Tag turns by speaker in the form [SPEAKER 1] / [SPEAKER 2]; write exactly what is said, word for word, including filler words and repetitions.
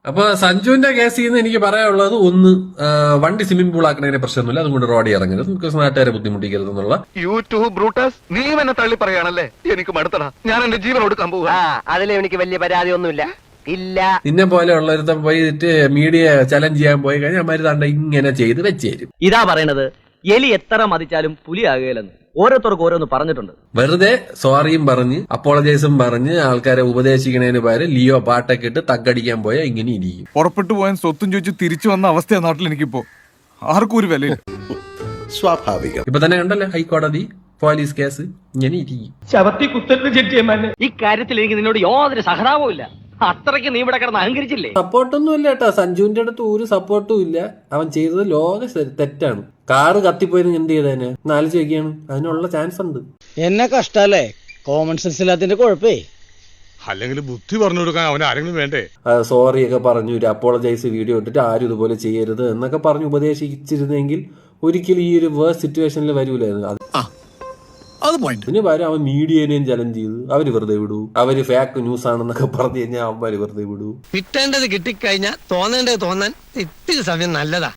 [SPEAKER 1] അപ്പൊ സഞ്ജുവിന്റെ കേസിൽ നിന്ന് എനിക്ക് പറയാനുള്ളത് ഒന്ന്, വണ്ടി സ്വിമ്മിംഗ് പൂൾ ആക്കുന്നതിന് പ്രശ്നമൊന്നുമില്ല, അതുകൊണ്ട് റോഡിൽ ഇറങ്ങരുത്, നമുക്ക് നാട്ടുകാരെ ബുദ്ധിമുട്ടിക്കരുത് എന്നുള്ള.
[SPEAKER 2] യൂട്യൂബ് ബ്രൂട്ടസ്, നീ എന്നെ തള്ളി പറയാണല്ലേ, എനിക്ക് മടുത്തടാ, ഞാൻ എന്റെ ജീവൻ കൊടുക്കാൻ പോവുക.
[SPEAKER 3] അതിൽ എനിക്ക് വലിയ പരാതി ഒന്നുമില്ല. ഇല്ല,
[SPEAKER 1] നിന്നെ പോലെ ഉള്ളൊരുത്തം പോയിട്ട് മീഡിയ ചലഞ്ച് ചെയ്യാൻ പോയി കഴിഞ്ഞാൽ അമ്മര് തണ്ട ഇങ്ങനെ ചെയ്ത് വെച്ച് തരും.
[SPEAKER 4] ഇതാ പറയണത്, എലി എത്ര മതിച്ചാലും പുലിയാകുകയില്ലെന്ന് ഓരോരുത്തർക്ക് ഓരോന്ന് പറഞ്ഞിട്ടുണ്ട്.
[SPEAKER 1] വെറുതെ സോറിയും പറഞ്ഞ് അപ്പോളജൈസും പറഞ്ഞ് ആൾക്കാരെ ഉപദേശിക്കുന്നതിന് പകരം ലിയോ പാട്ടൊക്കെ ഇട്ട് തക്കടിക്കാൻ പോയാൽ ഇങ്ങനെ ഇരിക്കും.
[SPEAKER 5] പുറപ്പെട്ടു പോയാൻ സ്വത്തും ചോദിച്ച് തിരിച്ചു വന്ന അവസ്ഥയാണ് നാട്ടിൽ എനിക്കിപ്പോ. ആർക്കും ഒരു വിലയില്ല.
[SPEAKER 6] സ്വാഭാവികം.
[SPEAKER 1] ഇപ്പൊ തന്നെ കണ്ടല്ലേ ഹൈക്കോടതി പോലീസ് കേസ് ഇങ്ങനെ ഇരിക്കും.
[SPEAKER 7] ശവത്തി കുത്തലിന് ചെറ്റിയമാനെ
[SPEAKER 4] ഇക്കാര്യത്തിൽ എനിക്ക് നിന്നോട് യാതൊരു സഹതാപവും ഇല്ല. അത്രയ്ക്ക് നീ ഇവിടെ കിടന്ന് അഹങ്കരിച്ചില്ലേ?
[SPEAKER 1] സപ്പോർട്ടൊന്നും ഇല്ല കേട്ടോ, സഞ്ജുവിന്റെ അടുത്ത് ഒരു സപ്പോർട്ടും ഇല്ല. അവൻ ചെയ്തത് ലോക തെറ്റാണ്. കാറ് കത്തിപ്പോയത് എന്ത് ചെയ്തേനെ നാല് ചോദിക്കാണ്, അതിനുള്ള ചാൻസ് ഉണ്ട്.
[SPEAKER 8] എന്നെ കഷ്ടല്ലേ, കോമൺ സെൻസ് ഇല്ലാത്തതിന്റെ കുഴപ്പേ.
[SPEAKER 9] അല്ലെങ്കിൽ ബുദ്ധി പറഞ്ഞു കൊടുക്കാൻ അവൻ ആരെങ്കിലും വേണ്ടേ?
[SPEAKER 1] സോറി ഒക്കെ പറഞ്ഞു ഒരു അപ്പോളജൈസ് വീഡിയോ ഇട്ടിട്ട് ആരും ഇതുപോലെ ചെയ്യരുത് എന്നൊക്കെ പറഞ്ഞ് ഉപദേശിച്ചിരുന്നെങ്കിൽ ഒരിക്കലും ഈ ഒരു വേഴ്സ് സിറ്റുവേഷനിൽ വരൂലായിരുന്നു. അതിന് പകരം അവൻ മീഡിയനെയും ചലഞ്ച് ചെയ്ത് അവര് വെറുതെ വിടൂ. അവര് ഫേക്ക് ന്യൂസ് ആണെന്നൊക്കെ പറഞ്ഞു കഴിഞ്ഞാൽ അവന്മാര് വെറുതെ വിടൂ.
[SPEAKER 3] കിട്ടേണ്ടത് കിട്ടിക്കഴിഞ്ഞാൽ തോന്നേണ്ടത് തോന്നാൻ ഇത്തിരി സമയം നല്ലതാ.